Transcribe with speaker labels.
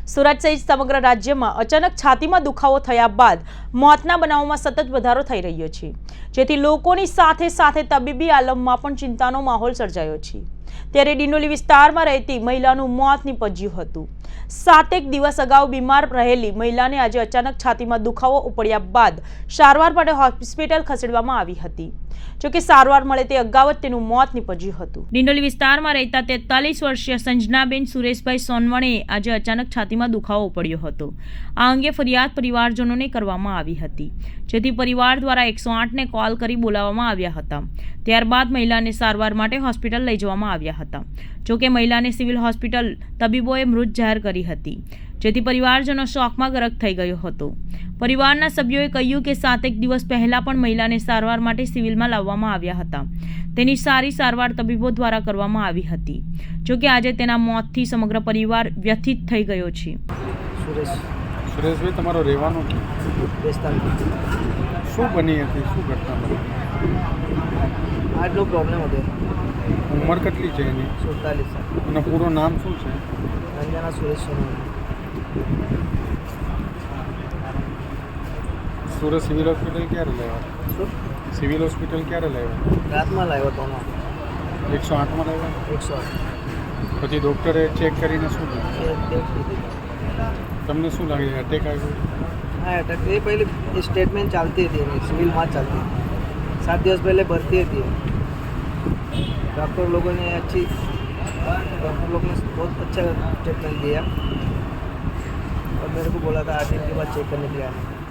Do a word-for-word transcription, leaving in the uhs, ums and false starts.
Speaker 1: સુરત સહિત સમગ્ર રાજ્યમાં અચાનક છાતીમાં દુખાવો થયા બાદ મોતના બનાવોમાં સતત વધારો થઈ રહ્યો છે, જેથી લોકોની સાથે સાથે તબીબી આલમમાં પણ ચિંતાનો માહોલ સર્જાયો છે। ત્યારે ડિંડોલી વિસ્તારમાં રહેતી મહિલાનું મોત નીપજ્યું હતું। સાતેક દિવસ અગાઉ બીમાર રહેલી મહિલાને આજે અચાનક છાતીમાં દુખાવો ઉપડ્યા બાદ સારવાર માટે હોસ્પિટલ ખસેડવામાં આવી હતી। જોકે સારવાર મળે તે અગાઉ જ તેનું મોત નીપજ્યું હતું। ડિંડોલી વિસ્તારમાં રહેતા તેતાલીસ વર્ષીય સંજનાબેન સુરેશભાઈ સોનવણે આજે અચાનક છાતીમાં દુખાવો ઉપડ્યો હતો। આ અંગે ફરિયાદ પરિવારજનોને કરવામાં આવી હતી, જેથી પરિવાર દ્વારા એકસો આઠ ને કોલ કરી બોલાવવામાં આવ્યા હતા। ત્યારબાદ મહિલાને સારવાર માટે હોસ્પિટલ લઈ જવામાં આવ્યા હતા। જોકે મહિલાને સિવિલ હોસ્પિટલ તબીબોએ મૃત જાહેર કરી હતી, જેથી પરિવારજનો શોકમાં ગરક થઈ ગયો હતો। પરિવારના સભ્યોએ કહ્યું કે સાતેક દિવસ પહેલા પણ મહિલાને સારવાર માટે સિવિલમાં લાવવામાં આવ્યા હતા। તેની સારી સારવાર તબીબો દ્વારા કરવામાં આવી હતી। જોકે આજે તેના મોતથી સમગ્ર પરિવાર વ્યથિત થઈ ગયો છે।
Speaker 2: સુરેશ
Speaker 3: સુરેશભાઈ, તમારો રહેવાનો
Speaker 2: બેસ્તાન
Speaker 3: શું બની હતી? શું ઘટના બની?
Speaker 2: આટલો પ્રોબ્લેમ હતો।
Speaker 3: ઉંમર કેટલી છે એની?
Speaker 2: સુડતાલીસ સાલ।
Speaker 3: અને પૂરું નામ શું છે?
Speaker 2: રંજના સુરેશ સોનવણે।
Speaker 3: સુરત સિવિલ હોસ્પિટલ ક્યારે લાવ્યા?
Speaker 2: શું
Speaker 3: સિવિલ હોસ્પિટલ ક્યારે લાવ્યા?
Speaker 2: રાતમાં લાવ્યો હતો હમણાં
Speaker 3: એકસો આઠમાં લાવ્યા?
Speaker 2: એકસો આઠ
Speaker 3: પછી ડૉક્ટરે ચેક કરીને શું કહ્યું? તમને શું લાગે? અટેક આવ્યો?
Speaker 2: હા, અટક એ પહેલી સ્ટેટમેન્ટ ચાલતી હતી એની, સિવિલમાં જ ચાલતી હતી। સાત દિવસ પહેલે ભરતી હતી। डॉक्टर लोगों ने अच्छी डॉक्टर लोगों ने बहुत अच्छा ट्रीटमेंट दिया और मेरे को बोला था आठ दिन के बाद चेक करने के लिए आना।